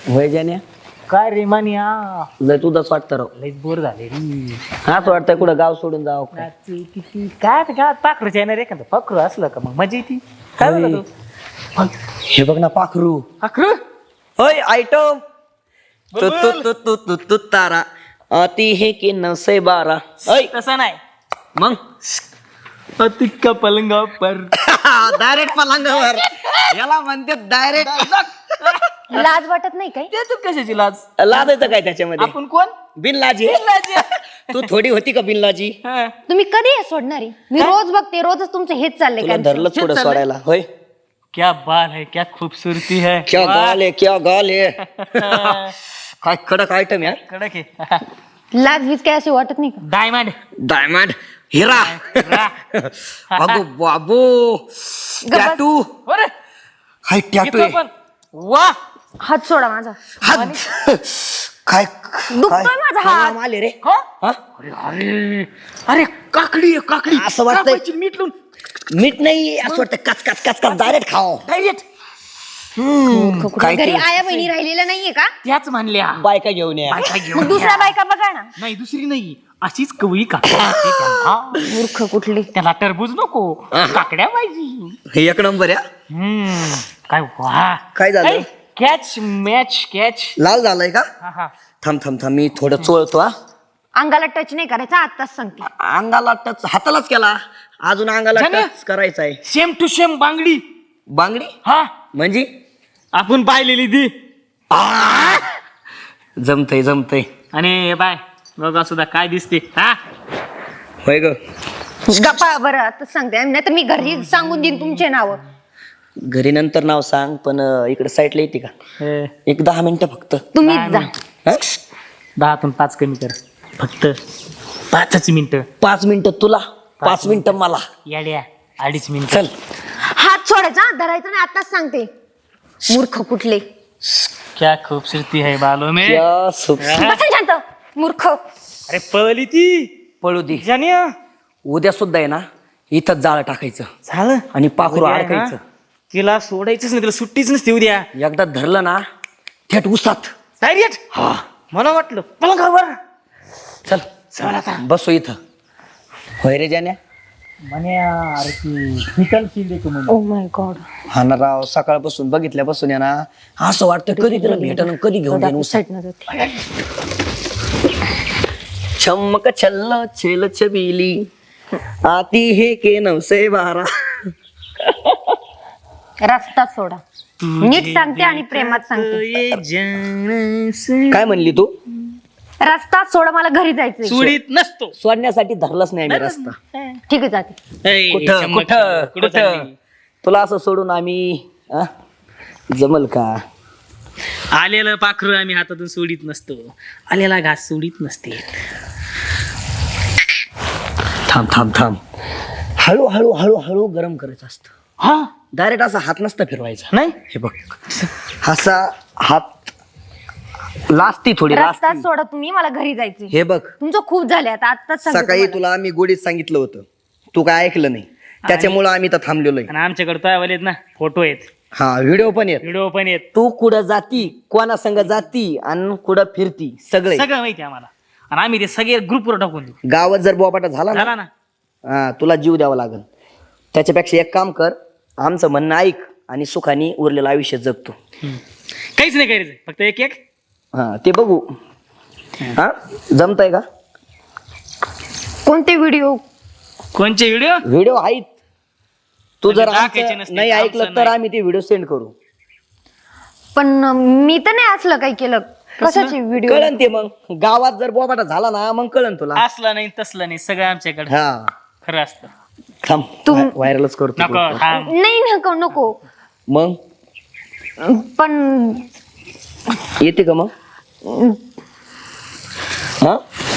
होय जाण्या काय रे मानिया लय तुझंच वाटतं राव. लय बोर झाले रे. असं वाटतंय कुठं गाव सोडून जावं काय. नाची किती काय ते काय पाखरूच येणार एखादं पाखरू असलं का मग मजा येते. काय होय. बोलतो हे बघ ना पाखरू. पाखरू होय आयटम तू तू तू तू तू तू तारा अति हे की 912. होय तसं नाही मग अतिक्का पलंगा पर डायरेक्ट पलंगावर याला म्हणते डायरेक्ट. लाज वाटत नाही काय? तू कशाची लाज लादायचं काय त्याच्यामध्ये आपण कोण बिनलाजी. तू थोडी होती का बिनलाजी. हा. तुम्ही कधी हे सोडणारी? मी रोज बघते, रोजच तुमचं हेच चाललंय तुला काय? धरलं थोडं सोडायला. होय क्या बाल है क्या खूबसूरती है क्या वाह. गाल आहे क्या गाल आहे. काय कडक आयटम यार. कडक आहे लाज बीज काय अशी वाटत नाही का? डायमंड डायमंड हिरा. अगो बाबू टॅटू. अरे हाय टॅटू इथं पण वा हात सोडा माझा. काय दुखतोय माझा हात. आले रे. हो? हा? अरे अरे अरे काकडी आहे, काकडी असं वाटतंय. कापायची, मीठ लावून मीठ नाही असं वाटतं कच कच कच कच डायरेक्ट खाओ. डायरेक्ट काय घरी ते? आया बहिणी राहिलेल्या नाहीये का? त्याच म्हणल्या बायका घेऊन या. बायका मग घेऊन दुसऱ्या या. बायका बघा ना. नाही दुसरी नाही अशीच कवळी काकडी असते त्यांना. मूर्ख कुठली. त्याला टरबूज नको काकड्या पाहिजे. हे एक नंबर या. काय वा काय झालं? कॅच मॅच कॅच लाल झालाय का. थांब थांब थांब मी थोडं चोळतो. हा अंगाला टच नाही करायचा, आत्ताच सांगते. अंगाला टच हातालाच केला अजून अंगाला झालं? टच करायचा आहे. सेम टू सेम बांगडी बांगडी हा म्हणजे आपण पाहिलेली ती जमतय जमतय. आणि बाय बघा सुद्धा काय दिसते हा होय ग. गप्पा बरं आताच सांगते, नाही तर मी घरी सांगून देईन तुमचे नाव. घरी नंतर नाव सांग पण इकडे साईडला येते का. एक 10 मिनिटं फक्त. तुम्हीच जा. हा? 10तून 5 कमी कर फक्त 5च मिनिट 5 मिनिटं तुला 5 मिनिटं मला. याड्या 2.5 मिनिट चल. हात सोडायचा, धरायचा नाही, आत्ताच सांगते. मूर्ख कुठले. क्या खूबसूरती है बालों में या सुप- बसा शांत. मूर्ख. अरे पळली ती पळू दे. जानिया उद्या सुद्धा आहे ना इथं जाळ टाकायचं झालं आणि पाखरू उद्या आहे अडकायचं. ना, तिला सोडायचंच नाही, तिला सुट्टीच नसते उद्या एकदा धरलं ना थेट उसात. डायरेक्ट हा मला वाटलं पलंगावर चल चल आता बसू इथं. होय रे जाण्या. म्हणे अरे ती हिटल शिंदे तू म्हणे ओ माय गॉड. हा ना राव सकाळपासून बघितल्यापासून या ना असं वाटतं कधी तुला भेटन कधी घेऊन जाईन उसात. चमक छल्ल छेल छबीली आती हे के 912. रस्ता सोडा. नीट सांगते आणि प्रेमात सांगते. काय म्हणली तू. रस्ता सोडा, मला घरी जायचंय. सुडीत नसतो सोडण्यासाठी धरलाच नाही मी रस्ता. ठीक आहे, जाते. कुठं कुठं कुठं तुला असं सोडून आम्ही जमल का. आलेलं पाखरू आम्ही हातातून सोडीत नसतो, आलेला घास सोडीत नसते. थांब थांब थांब. हळू हळू हळू हळू गरम करायचं असतं. हा डायरेक्ट असा हात नसता फिरवायचा. नाही हे बघ असा हात लाजती थोडी रस्ता लाजती. सोडा तुम्ही, मला घरी जायचंय. हे बघ तुमचं खूप झाले आता, आत्ताच सांगते सकाळी तुम्हाला. तुला आम्ही गोडीत सांगितलं होतं तू काय ऐकलं नाही त्याच्यामुळं आम्ही तर थांबलेलो आहे. आणि आमच्याकडे तो आहेत ना फोटो आहेत, हा व्हिडिओ पण येत. व्हिडिओ पण आहेत, तू कुठं जाती कोणा संग जाती आणि कुठं फिरती सगळे सगळं माहिती आहे आम्हाला. आणि आम्ही ते सगळे ग्रुपवर टाकून देऊ. गावात जर बोबाटा झाला झाला ना ना हा तुला जीव द्यावा लागल. त्याच्यापेक्षा एक काम कर आमचं म्हणणं ऐक आणि सुखाने उरलेलं आयुष्य जगतो. काहीच नाही करायचं, फक्त एक एक हा ते बघू. हा जमतंय का. कोणते व्हिडिओ? कोणचे व्हिडिओ व्हिडिओ आहेत. तू जर म्हणजे दाखायचे आमचं नसते, नाही आमचं ऐकलं तर नाही. आम्ही ते व्हिडिओ सेंड करू. पण मी तर नाही असलं काही केलं. कशाची व्हिडिओ? कळन ते मग गावात जर बोबाटा झाला ना मग कळन तुला. असलं नाही तसलं नाही, सगळं आमच्याकडे हा खरं असतं. थांब व्हायरलच करतो. नको थांब. नाही नको नको. मग पण येते का मग. हा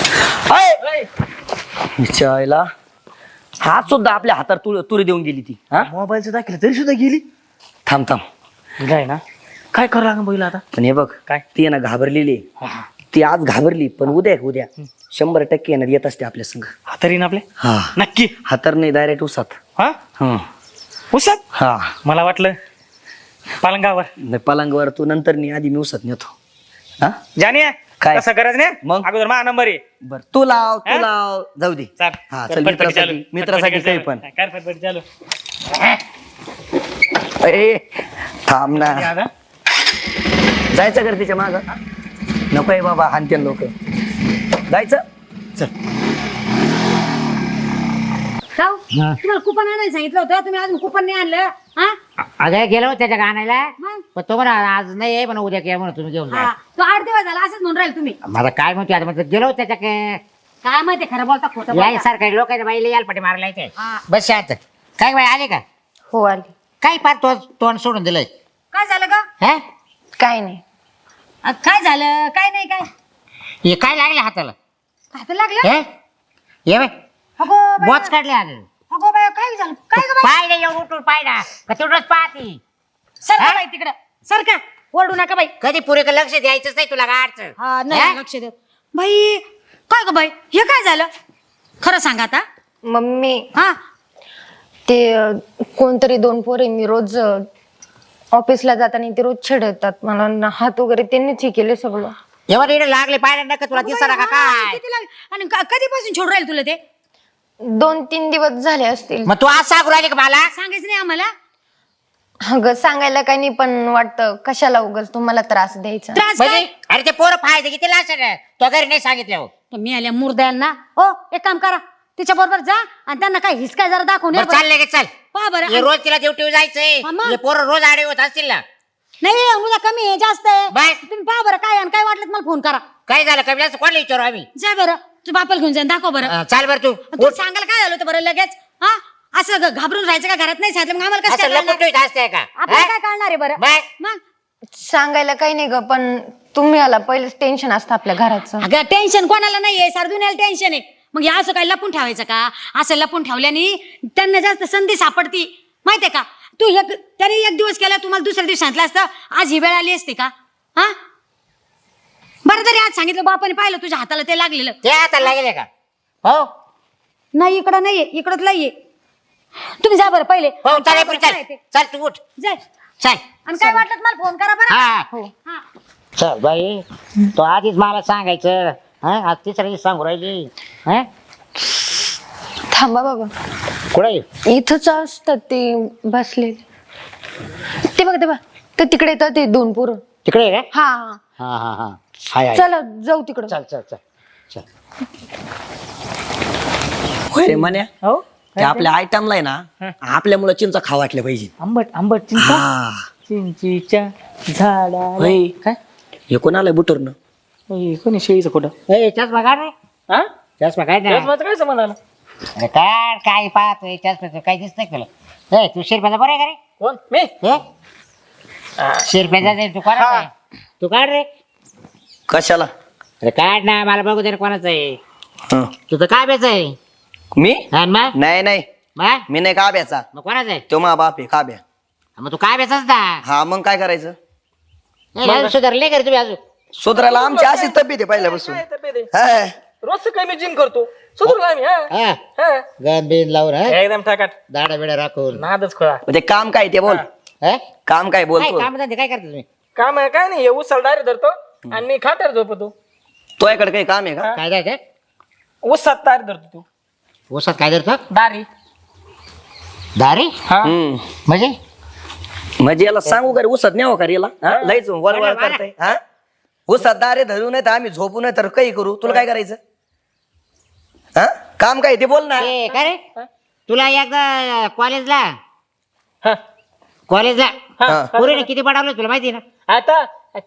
विचारायला हात सुद्धा आपल्या हातात तुरी देऊन गेली ती. हा मोबाईलचं दाखवलं तरी सुद्धा गेली. थांब थांब. काय ना काय करावं लागेल बघितलं आता. पण हे बघ काय? ती आहे ना घाबरलेली आहे. ती आज घाबरली पण उद्या 100% येणार येत असते आपल्या संग. हातरीन आपले हा नक्की. हातर नाही डायरेक्ट उसात. हा हा उसात. हा मला वाटलं पलंगावर नाही पलंगावर तू नंतर नाही, आधी मी उसत नेतो. हा जाणे काय? कसं गरज नाही मग? अगोदर माझा नंबर आहे. बर तू लाव हा? तू लाव जाऊ दे. चल हा कर चल फटफटी चालू. मित्रासाठी काही फटफटी पण. चालू. कर फटफटी चालू. ए थांब ना, या ना. जायचं कर तिच्या माग. नकोय बाबा हानते लोक. जायचं चल. जाऊ तुम्हाला कुपन आणायला सांगितलं होतं, तुम्ही अजून कुपन नाही आणलं. हा अगं गेलो त्याच्या गाण्याला मग? पण तो म्हणा आज नाही आहे पण उद्या काय म्हणून तुम्ही घेऊन जा हा, तो 8 दिवस झाला असंच म्हणून राहील तुम्ही. मला काय म्हणतो आता म्हणतो गेलो त्याच्या काय माहिती खरं बोलता खोटं याय बोलता. सारखं लोकांच्या बाईला याल पटे मारला काय हा. बस शांत. काय बाई आले का हो आली. काय पार तो तोंड सोडून दिलंय काय झालं का? हा काय नाही. काय झालं काय नाही काय हे काय लागलं हाताला हात लागलं. हे ये बाई अगो बाई, बॉच काढले आज अगो बाई, काय झालं काय गं बाई? पाय नाही एवढं उठून पाय ना का तेवढंच पाहती सरका हा? बाई तिकडं सरका, ओरडू नका बाई. कधी पुरे लक्ष द्यायचंच नाही तुला गाडचं हा नाही लक्ष देत बाई. काय ग बाई हे काय झालं खरं सांगा आता. मम्मी हा ते कोणतरी 2 पोरे मी रोज ऑफिसला जाताना ते रोज छेडतात मला हात वगैरे त्यांनीच हे केले सगळं. एवढं इकडे लागले पाय नका तुला दिसणार का हा, काय किती लागले? आणि कधीपासून छोड राहील तुला ते 2-3 दिवस झाले असतील. मग तू आज सांगू राहिले का मला सांगायचं नाही आम्हाला. अगं सांगायला काही नाही पण वाटतं कशाला उगाच तुम्हाला त्रास द्यायचा. त्रास म्हणजे काय? अरे ते पोरं फायदे किती लास्ट तो घरी नाही सांगितलं हो. तर मी आल्या मुर्द्यांना हो एक काम करा तिच्या बरोबर जा आणि त्यांना काय हिसका जरा दाखवून या बरं बरं. चाललंय की चल पहा बरं. हे रोज तिला ड्युटी जायचंय हा मग. हे पोरं रोज आडे होत असतील ना नाही उद्या कमी आहे जास्त आहे बाय. तुम्ही पहा बरं काय आणि काय वाटलं तर मला फोन करा. काय झालं कमी कोणाला विचारू आम्ही जा बरं तू बापाला घेऊन जा दाखव बरं. चाल बरं तू तू सांगायला काय झालं होतं बरं लगेच. हा असं घाबरून राहायचं का घरात नाही सांगितलं मग आम्हाला कसं असं काय कळणार? लपून ठेवत असते का आपल्याला हा? काय कळणार आहे बरं बाय. मग सांगायला काही नाही ग पण तुम्ही आला पहिलेच टेन्शन असतं आपल्या घराचं. अगं टेन्शन कोणाला नाहीये सरदुन्याला टेन्शन आहे. मग हे असं काय लपून ठेवायचं का? असं लपून ठेवल्याने त्यांना जास्त संधी सापडती माहितीये का. तू तरी एक दिवस केला तुम्हाला दुसऱ्या दिवशी सांगितलं असतं आज ही वेळ आली असते का. हा बरं तरी आज सांगितलं बापाने पाहिलं तुझ्या हाताला ते लागलेलं. ते आता लागले का हो नाही इकडं नाहीये इकडंच नाहीये. तुम्ही जा बरं पहिले हो काय चल बरं, चल काय ते? चल तू उठ जाय चल आणि काय वाटलं तर मला फोन करा बरं. हा हा. चल बाई तो आधीच मला सांगायचं हा आज तिसऱ्या दिवशी सांगू राहिली हा थांबा बाबा कुठे इथंच असतात ते बसले. ते बघ ते तिकडे येतात ते 2 पोरं. तिकडे आहे का हा हा हा हा हाय हाय चला जाऊ तिकडं. चल चल चल चल ते म्हण्या हो ते आपल्या आयटमला आहे ना आपल्या मुलं चिंचा खाऊ वाटल्या पाहिजे. आंबट आंबट चिंचा हा चिंचीच्या झाडा होय. काय हे कोणाला बुटरनं होय, कोणी शेळीचं खोटं ए चष्मा काढ रे हा चष्मा काढ ना त्याच माझं काय समज आला. अरे काढ काय पाहतोय चष्मा काय दिसतंय तुला ए तू शिरप्याचा बरं आहे का रे कोण मी हे शिरप्याचा ते तू कोणाचा आहे? तू काढ रे कशाला. अरे काढ ना मला बघू दे रे कोणाचं आहे हं. तुझं काय बेच आहे मी हा मग नाही नाही मग मी नाही काब्याचा. मग कोणाचं आहे तो मा बाप आहे काब्या. मग तू काय बेचाच ना हा मग काय करायचं. अजून सुधारले का रे तुम्ही अजून सुधरायला आमची अशीच तब्येत आहे पहिल्यापासून. काय तब्येत आहे? हा. रोज सकाळी मी जिम करतो सुधरू आम्ही हा हा हा. गन बिन लावून हा एकदम टाकाट दाडा बिडा राखून नादच खोळा. म्हणजे काम काय ते बोल. हा? काम काय काय बोलतो. काम धंदे काय करता तुम्ही काम आहे काय नाही हे उचल डायरेक्ट धरतो आणि मी खाट्यावर झोपतो. तो याकडे काही काम आहे का. काय जाय काय उसात तार धरतो तू ऊसात काय धरतो दारी दारी हा हम्म. म्हणजे म्हणजे याला सांगू का रे उसत न्यावं का रे याला. हा? लयच वळवळ करताय. हा उसत दारे धरू नये तर आम्ही झोपू नये तर काही करू. तुला काय करायचं. हा काम काय ते बोल ना. ए, काय रे तुला एकदा कॉलेजला हा. कॉलेजला हा. पुरीने किती पडावलं तुला माहिती आहे ना आता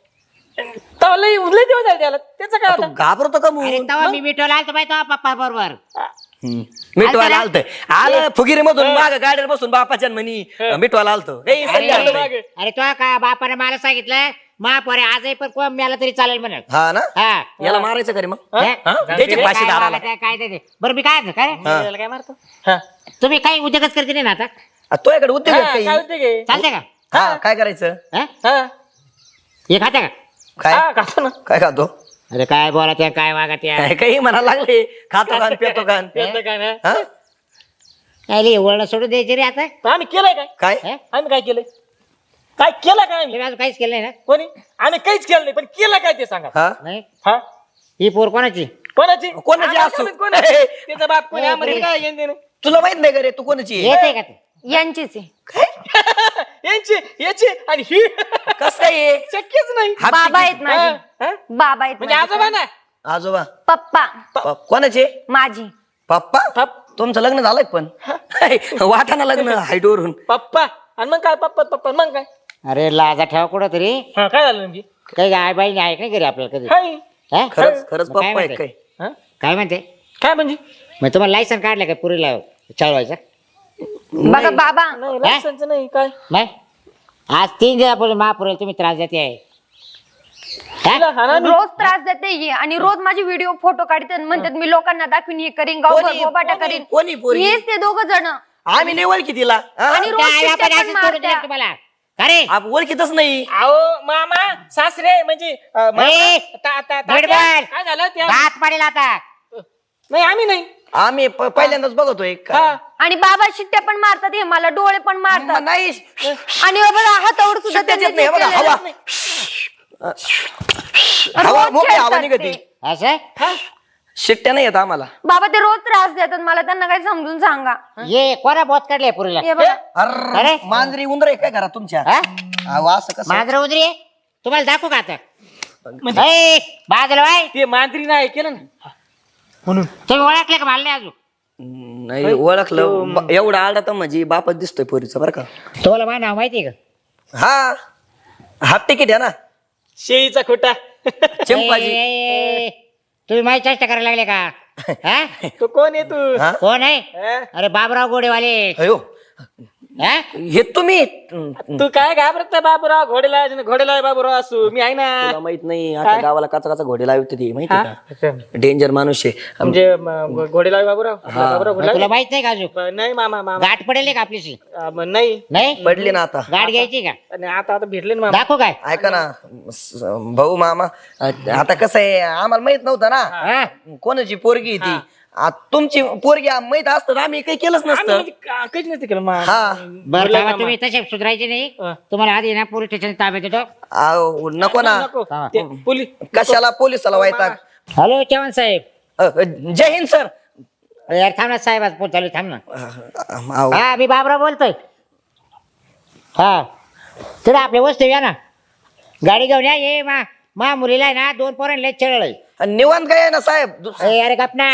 तवा लय उरले दिवस झाले त्याला त्याचं काय तू आता घाबरतो का अरे म्हणून. तेव्हा मी मिठवला आलतो माहिती आहे पप्पा बरोबर मिठवायला आलत आलं फुगिरी मधून माग गाडीवर बसून बापाच्या म्हणी मिठवायला आलतो. काही सल्ला अरे नाही. अरे तो का बापाने मला सांगितलं महापोरे आजही पण कोण मिळाला तरी चालेल म्हणत हा ना हा याला मारायचं का रे मग. हे? हा? द्यायचे काय फाशी दाराला. वागत आहे, काय ते बरं मी काय काय हा. त्याला काय मारतो हा. तुम्ही काही उद्योगच करते नाही ना आता तो याकडे उद्योग हा, आहे काय काही. होते गे चालते का हा काय करायचं. हा? हा हे खाते का काय हा, खातो ना काय खातो. अरे काय बोला त्या काय वागत या काय काही म्हणायला लागले खातो कान पेतो कान. त्याचं काय नाही हा? काय वळण सोडून द्यायचे रे आता आम्ही केलंय काय काय हे? आम्ही काय केलंय काय केलं काय आम्ही तुम्ही अजून काहीच केलं नाही ना? कोणी आम्ही काहीच केलं नाही पण केलं काय ते सांगा हा नाही. हा ही पोर कोणाची? कोणाची कोणाची आम्हाला असू? माहित कोण आहे? त्याचा बाप कोणी आम्हाला काय घेणं देणं? तुला माहित नाही का रे तू कोणाची आहे? येत आहे का ते? यांचीच आहे. यांची याची आणि ही कस काय आहे? शक्यच नाही बाबा आहेत माझे. हा? बाबा आहेत म्हणजे माझे. आजोबा ना आजोबा पप्पा कोणाचे? माझी. पप्पा तुमचं लग्न झालंय का पण वाटाणा लग्न हाईट वरून. पप्पा आणि मग काय पप्पा पप्पा मग काय अरे लाजा ठेवा कुठं तरी. हा काय झालं नेमकी काही आई बाई आहे का नाही घरी आपल्याला कधी? हाय हा? खरंच मग पप्पा काय आहे म्हणते? काय? हा? काय म्हणते? काय म्हणजे मग तुम्हाला लायसन काढलं का पुरीला चालवायचं? बघा बाबा नाही लायसन्स नाही काय नाही. आज 3 दिवसापूर्वी महापुरेला तुम्ही त्रास देते आहे. हा? तिला हा ना मी- रोज त्रास देते ही आणि रोज माझे व्हिडिओ फोटो काढते आणि म्हणतात मी लोकांना दाखवीन हे करीन गावभर बोबाटा करीन. कोणी पोरगी? हेच ते दोघ जण आम्ही नाही ओळखी तिला हा? आणि रोज काय चिठ्ठ्या आपण पण असंच करून दिलं मारत्या. तुम्हाला? अरे ओळखीतच नाही. अहो मामा सासरे म्हणजे मामा, ए, तात्या, बडबड. काय झालं त्या दात पडेल आता. नाही आम्ही नाही आम्ही पहिल्यांदाच बघतोय हा आणि बाबा शिट्ट्या पण मारतात हे मला डोळे पण मारतात नाही आणि बघा हातावर सुद्धा शिट्ट्याच येत त्यांनी नाही, बघा, केलेलं. हवा हवा रोज मोकळी हवा खेळतात निघती. ते. असं शिट्ट्या नाही येत आम्हाला. बाबा ते रोज त्रास देतात मला त्यांना काही समजून सांगा. ये कोणा बोत काढले पुरीला? हे बघा अरे अरे? मांजरी उंदर आहे काय घरात तुमच्या? हा? अहो, असं कसं? मांजर उजरी आहे? तुम्हाला दाखवू का आता? ए, बाजूला बाय. ते मांजरी नाही केलं ना तुम्ही ओळखले का मला नाही अजून? नाही ओळखलं एवढा आडा तर म्हणजे बापच दिसतोय पोरीचा बरं का. तुम्हाला माझं नाव माहिती आहे का? हा हाफ तिकीट आहे ना शेळीचा खोटा चिंपाजी. ए, तुम्ही माझी चेष्टा करायला लागले का? हा? तो कोण आहे तू हा? कोण आहे? हा? अरे बाबराव गोडेवाले. अयो हा? हे तुम्ही तू काय घाबरत नाही बाबूराव घोडेला बाबूराव असू मी आहे ना तुला माहित नाही आता गावाला काचा काचा घोडे लावते ती माहिती का? डेंजर माणूस आहे. म्हणजे घोडेला बाबूराव बाबूराव मग घोडेला तुला माहित नाही का अजून? नाही मामा मामा गाठ पडेल का आपलीशी? नाही नाही पडली ना आता. गाठ घ्यायची का? आणि आता भेटले ना मामा दाखवू काय? ऐका ना भाऊ मामा आता कसं आहे आम्हाला माहित नव्हतं ना हा? कोणाची पोरगी आहे ती. तुमची पोरगी माहित असतं तर आम्ही काही केलंच आम्ही नसतं. म्हणजे काहीच नसते केलं मा- हा बरं बोलला तेव्हा मामा. तुम्ही तसे सुधारायचे नाही. हा. तुम्हाला आधी ना पोलीस स्टेशन ताब्यात देतो. अहो, नको ना नको हा. ते पोलीस कशाला पोलिसाला व्हायचा. हॅलो चव्हाण साहेब. जय हिंद सर. यार थांब ना साहेब, आज फोन चालू आहे, थांब ना. अहो, हा मी बाबराव बोलतोय. हा तिला आपल्या वस्तू या ना, गाडी घेऊन या. ये मा मुलीला आहे ना 2 पोरांना चढलंय. निवांत काय आहे ना साहेब. अरे गपना.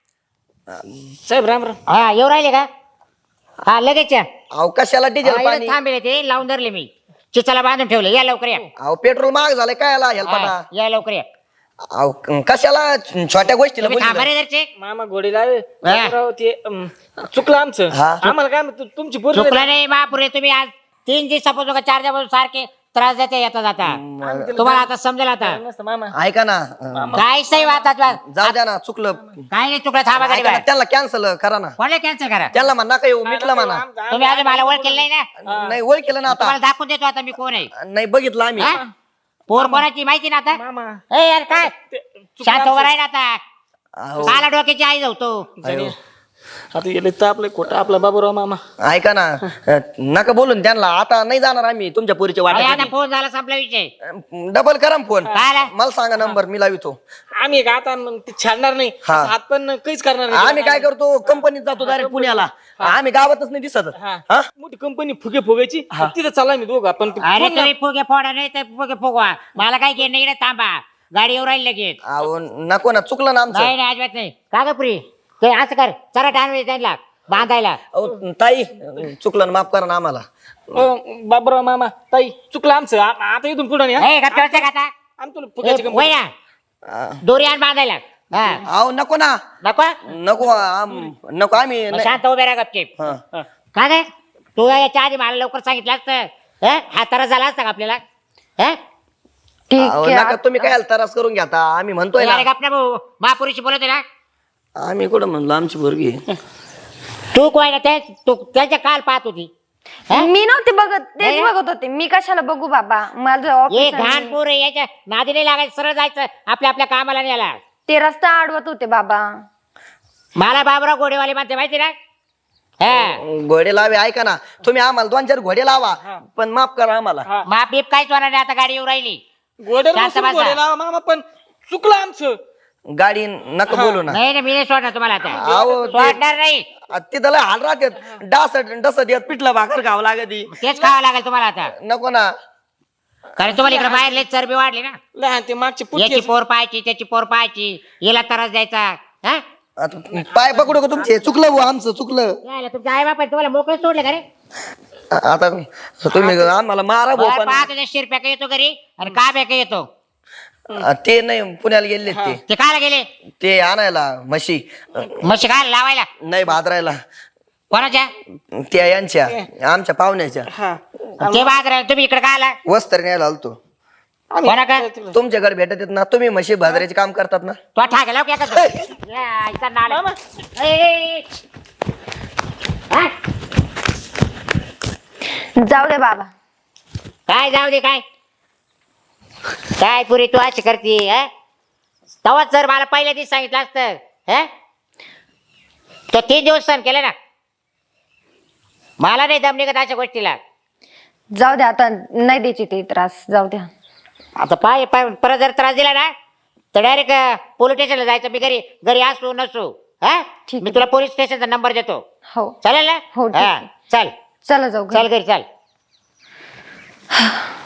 साहेब राम राम हा येऊ राहिले का? हा लगेच या. अहो कशाला डिझेल पाणी. थांबेल ते लावून धरले मी. चिचाला बांधून ठेवले. या लवकर या. अहो पेट्रोल महाग झालंय काय आला हेल्पाटा. हा, या लवकर या. अहो कशाला छोट्या गोष्टीला तुम्ही थांबा बोलली. रे घरचे. मामा घोडेला बाबूराव ते चुकलं आमचं हा. आम्हाला काय म्हणतो तुमची पोरगी चुकला नाही महापुरे. तुम्ही आज 3 दिवसापासून का 4 दिवसापासून सारखे त्रास देते येता जाता. तुम्हाला आता समजेल आता. नसतं मामा ऐका ना काहीच नाही वाटत. जाऊ द्या ना चुकलं. काही नाही चुकलं. थांबा गाडी ऐका ना, बाहेर. त्यांना कॅन्सल करा ना. कोणाला कॅन्सल करा? त्यांना म्हणा नका येऊ मिटलं म्हणा. तुम्ही अजून मला ओळख केलं नाही ना. नाही ओळख केलं ना आता. तुम्हाला दाखवून देतो आता मी कोण आहे. नाही बघितलं आम्ही. हा? पोर कोणाची माहिती ना आता? मामा ए यार काय शांत उभा राहील आता. अहो, काला डोक्याची आई जाऊ तो. अयो. आता गेले तर आपलं खोटं आपला बाबूराव मामा ऐका ना नका बोलून त्यांना आता नाही जाणार आम्ही तुमच्या पोरीच्या अरे आता वाट्यात. फोन झाला संपला विषय. डबल करा ना फोन. काय आला? मला सांगा नंबर मी लावितो. आम्ही का आता मग ते छाडणार नाही हा. असं हात पण काहीच करणार नाही आम्ही काय करतो कंपनीत जातो डायरेक्ट पुण्याला. आम्ही गावातच नाही दिसत. हा. हा? मोठी कंपनी फुगे फुगायची तिथं चालला मी दोघं आपण अरे तुम्ही फुगे फोडा नाही तर फुगे फुगवा. मला काही घेणं इकडे थांबा. गाडी येऊ राहील लगेच. अहो नको ना चुकलं ना आमचं. नाही नाही अजिबात नाही. का ग पुरी ते असं कर चरा टाणवे त्यांना बांधायला. अहो, ताई चुकलं ना माफ करा ना आम्हाला. बाबूराव मामा ताई चुकलं आमचं आता इथून पुढे नाही ए गप्पा का आता? आम्ही तुला फुग्याची वय कंपनी ना दोरी आण बांधायला. हा अहो नको ना नको नको नको आम्ही मग शांत उभे राहा गपचीप. हा. का ग तू याच्या आधी मला लवकर सांगितलं असतं. हा त्रास झाला असता का आपल्याला? हा? ठीक अहो, आहे नका तुम्ही काय तरास करून घ्या आता आम्ही म्हणतोय अरे ना. गप ना भाऊ. महापुरुषी बोलत ना. आम्ही कुठं म्हणलो आमची पोरगी. तू कोय ना ते तू त्याच्या काल पाहत होती. हा? मी नव्हते बघत तेच नाही? बघत होते. मी कशाला बघू बाबा माझं ये ऑफिस घाण पोर आहे, याच्या नादी नाही लागायचं. सरळ जायचं आपल्या आपल्या कामाला न्यायला. ते रस्ता अडवत होते बाबा. मला बाबराव गोडेवाले म्हणते माहिती ना. हा घोडे लावे ऐका ना तुम्ही आम्हाला 2-4 घोडे लावा पण माफ करा आम्हाला माप बीप काहीच होणार नाही आता गाडी येऊ राहिली घोड्यावर शांत बसून बसा. घोडे लावा मामा पण चुकलं आमचं. गाडी नका बोलू ना नाही मी नाही सोडणार तुम्हाला आता अहो सोडणार नाही तिथं लय हाल राहतात डस देत पिठलं भाकर खावं लागती तेच खावं लागेल तुम्हाला आता नको ना कारण तुम्हाला इकडे बाहेर लय चरबी वाढली ना लहान ते मागचे याची पुढचे पोर पाहायची त्याची पोर पाहायची याला त्रास द्यायचा हा आता पाय पकडू का तुमचे चुकलं बुवा, आमचं चुकलं यायला तुमच्या आई बापा तुम्हाला मोकळे सोडले का रे आता तुम्ही आम्हाला मारा भाऊ पण पाहा तुझ्या शिरप्या येतो घरी आणि का बॅका येतो ते नाही पुण्याला गेले ते ते कायला गेले ते आणायला म्हशी म्हशी काय लावायला नाही भादरायला कोणाच्या त्या यांच्या आमच्या पाहुण्याच्या हा ते बाजार तुम्ही इकडे काय आला वस्त्र न्यायला आलतो कोणा का तुमच्याकडे भेटत येत ना तुम्ही म्हशी भादराचे काम करतात ना तो ठाकला की आता या, इथं नाला. ए, हा? जाऊ दे बाबा. काय जाऊ दे काय काय पुरी तू अशी करते तेव्हाच जर मला पहिल्या दिवस सांगितलं असतं तो 3 दिवस सण केलं ना मला नाही दम निघत अशा गोष्टीला जाऊ दे आता नाही द्यायची ते त्रास जाऊ द्या. आता पाय पाय परत जर त्रास दिला ना तर डायरेक्ट पोलीस स्टेशनला जायचं मी घरी घरी असू नसू ठीक मी आहे. तुला पोलीस स्टेशनचा नंबर देतो हो चालेल ना हो, ठीक हा आहे. चल चला जाऊ घरी. चल घरी चल